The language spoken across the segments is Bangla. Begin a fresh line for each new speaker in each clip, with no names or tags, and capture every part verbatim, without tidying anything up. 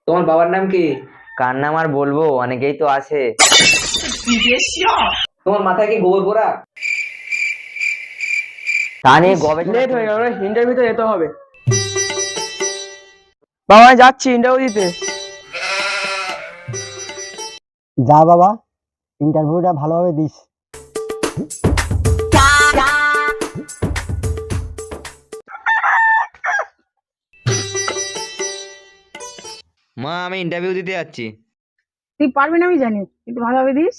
তোমার বাবার নাম কি?
কার নাম আর বলবো, অনেকেই তো আছে।
তোমার মাথায় কি গোবর পোড়া?
তা নিয়ে গবেষণা
লেট হয়ে গেল, ইন্টারভিউতে যেতে হবে। বাবা আমি যাচ্ছি ইন্টারভিউ দিতে।
যা বাবা, ইন্টারভিউটা ভালোভাবে দিস।
মা, আমি ইন্টারভিউ দিতে যাচ্ছি।
তুই পারবি না আমি জানি, একটু ভালোভাবে দিস।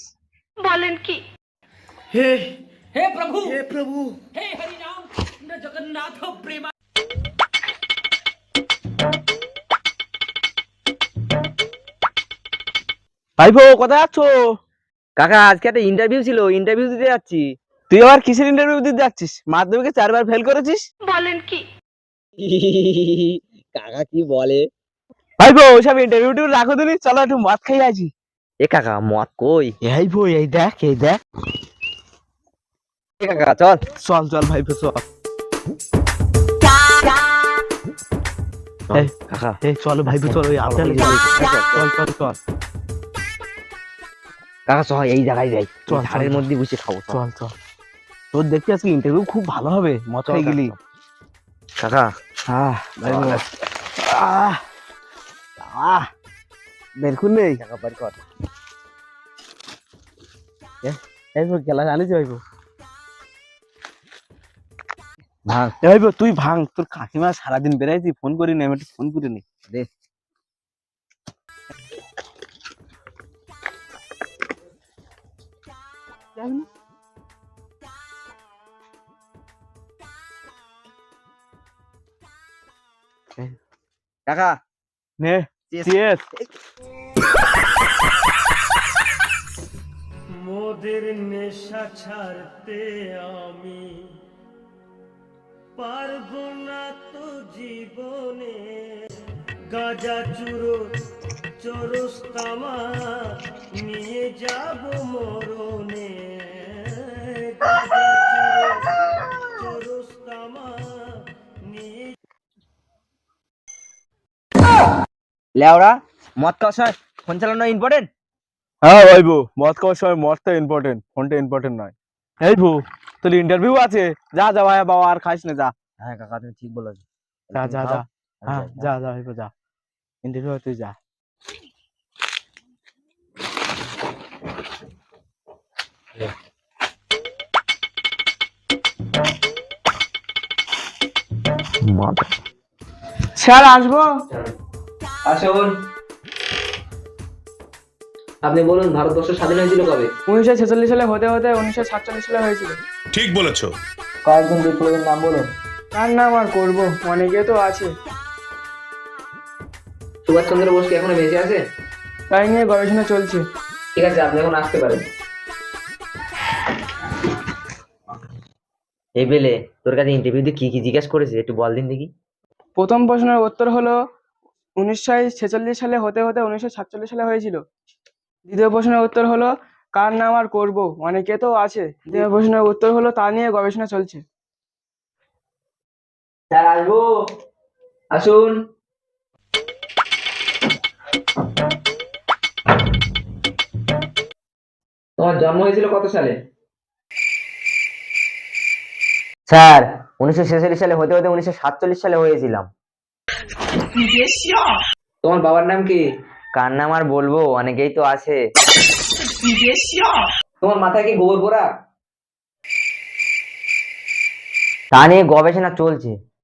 ভাইপো কোথায় যাচ্ছ?
কাকা, আজকে একটা ইন্টারভিউ ছিল, ইন্টারভিউ দিতে যাচ্ছি।
তুই আবার কিসের ইন্টারভিউ দিতে যাচ্ছিস? মাধ্যমিকে চারবার ফেল করেছিস।
কাকা কি বলে?
ভাইপো ওইসব ইন্টারভিউ টিউ রাখো দিনি, চলো একটু মদ খাই আছি।
এ কাকা, মদ কই?
এই বই, এই দেখ, এই দেখ।
এ কাকা চল।
চল চল ভাইপো চল। এই,
কাকা
এই চলো ভাইপো চল, ওই আপেল চল চল চল চল
কাকা চল, এই জায়গায় যাই,
চল, চল,
ঝাড়ের
চল।
মধ্যে বসে খাবো। চল।
চল চল। তোর দেখতে আজকে ইন্টারভিউ খুব ভালো হবে, মদ খাই গেলি।
কাকা
আহ ভাইপো, আহ আহ বের খুললে
কাকা বাড়ি কর।
এই খেলা জানিস ভাইপো?
ভাঙ।
এ ভাইপো তুই ভাঙ, তোর কাকিমা সারাদিন বেড়াইছি, ফোন করি না, আমি একটু ফোন করে নি
দে। কাকা
নে
Cheers.
চিয়ার্স।
মোদের নেশা ছাড়তে আমি পারবো না তো জীবনে, গাঁজা চুরো চরস্তামা নিয়ে যাব মরণে, গাঁজা চুরো চরস্তামা নিয়ে।
লেওড়া, মদ খাওয়ার সময় ফোন চালানো ইম্পর্টেন্ট?
হ্যাঁ ভাইপো, মদ খাওয়ার সময় মদটা ইম্পর্টেন্ট, ফোনটা ইম্পর্টেন্ট নয়। এই ভু, তোর ইন্টারভিউ আছে, যা যা ভাই বাবা, আর খাইস না, যা
হ্যাঁ কাকা, তুমি ঠিক বলেছো।
যা যা যা। হ্যাঁ
আমি যাই,
যা যা ভাইপো যা, ইন্টারভিউ তুই যা। স্যার আসবো?
আসুন। আপনি বলুন, ভারতবর্ষ স্বাধীন হয়েছিল কবে?
উনিশশো ছেচল্লিশ সালে হতে হতে উনিশশো সাতচল্লিশ সালে হয়েছিল।
ঠিক বলেছো।
কয়েকজন বিপ্লবীর নাম বলুন।
কার নাম আর করবো, অনেকে তো আছে।
সুভাষচন্দ্র বোস কি এখনো বেঁচে আছে?
তাই নিয়ে গবেষণা চলছে।
ঠিক আছে, আপনি এখন আসতে পারেন।
এই বেলে, তোর কাছে ইন্টারভিউতে কি কি জিজ্ঞাসা করেছে একটু বল দিন দেখি।
প্রথম প্রশ্নের উত্তর হলো উনিশশো ছেচল্লিশ সালে হতে হতে উনিশশো সাতচল্লিশ সালে হয়েছিল। দ্বিতীয় প্রশ্নের উত্তর হলো কার নাম আর করবো, অনেকে তো আছে। দ্বিতীয় প্রশ্নের উত্তর হলো তা নিয়ে গবেষণা চলছে।
স্যার আসবো? আসুন। তোমার জন্ম হয়েছিল কত সালে?
স্যার, উনিশশো ছেচল্লিশ সালে হতে হতে উনিশশো সাতচল্লিশ সালে হয়েছিলাম।
তোমার বাবার নাম কি?
কার নাম আর বলবো, অনেকেই তো আছে।
তোমার মাথায় কি গোবর পোড়া?
তা নিয়ে গবেষণা চলছে।